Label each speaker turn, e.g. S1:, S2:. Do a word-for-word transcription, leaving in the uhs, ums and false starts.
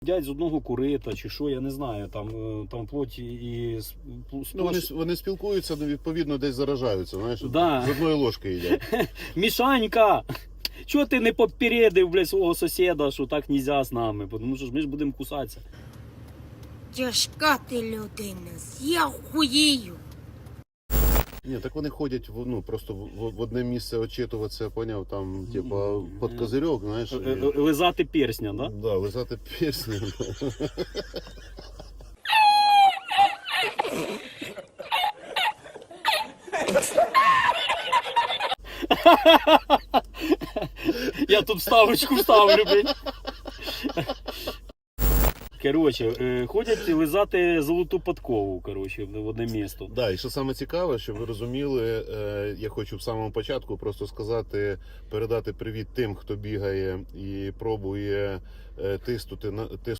S1: Дядь з одного курита чи що, я не знаю, там, там плоті і...
S2: Ну, вони, вони спілкуються, ну, відповідно, десь заражаються, знаєш,
S1: Да.
S2: з одної ложки їдять.
S1: Мішанька! Чого ти не попередив, блядь, свого сусіда, що так нельзя з нами? Тому що ж ми ж будемо кусатися.
S3: Тяжка ти людина, я хуєю.
S2: Ні, так вони ходять в, ну, просто в, в одне місце очитуватися, поняв, там, типа, під козирьок, знаєш.
S1: Е, е, Лизати персня, да?
S2: Да, лизати персні.
S1: Я тут вставочку вставлю, блядь. Коротше, ходять лизати золоту подкову, коротше, в одне місто.
S2: Да, і що саме цікаве, щоб ви розуміли, е, я хочу в самому початку просто сказати, передати привіт тим, хто бігає і пробує е, тиснути на тиснути